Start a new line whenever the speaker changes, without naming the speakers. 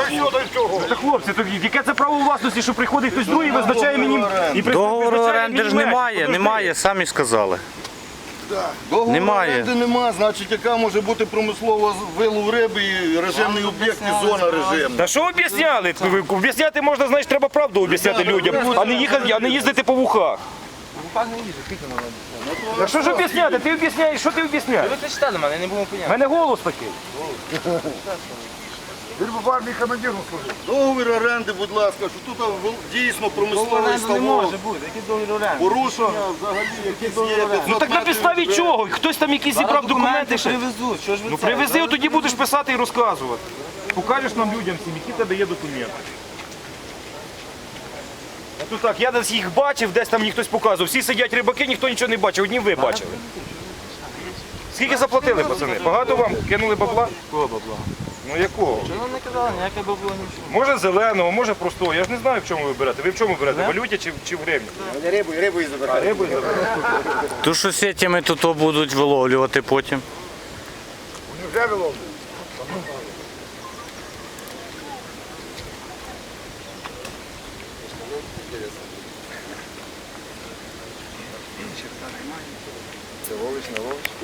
Та хлопці, то яке це право власності, що приходить хтось другий, визначає мені і
Договору оренди ж немає, самі сказали.
Договору
Немає.
оренди нема, значить яка може бути промислова вилов риби і режимний об'єкт і зона режимна.
Та що об'ясняли? Об'ясняти можна, значить, треба правду об'ясняти людям, а не їздити по вухах. Та що ж об'ясняти? Ти об'ясняєш, що ти об'ясняєш?
Ви кричите на мене, я не буду
У
поняти.
мене голос такий.
Договір оренди, будь ласка, що тут дійсно промисловий ставок.
бути, який договір оренди?
Порушення взагалі якісь є.
Ну так на підставі чого? Хтось там якісь зібрав документи ще.
привезуть, що ж ви
Ну
це?
привези, тоді будеш писати і розказувати. Покажеш нам людям всім, які в тебе є документи. А тут так, я десь їх бачив, десь там мені хтось показував. Всі сидять рибаки, ніхто нічого не бачив, одні ви бачили. Скільки заплатили, пацани? Багато вам кинули бабла?
Кого бабла?
Ну якого?
Чого нам не казали, ніяке бабло не чув.
Може зеленого, може простого. Я ж не знаю, в чому ви берете. Ви в чому берете? В валюті чи в гривні?
Рибу і забирати.
Рибу і заберете.
То що сетями тут будуть виловлювати потім.
Вже виловлюють. Це ловиш на ловочку.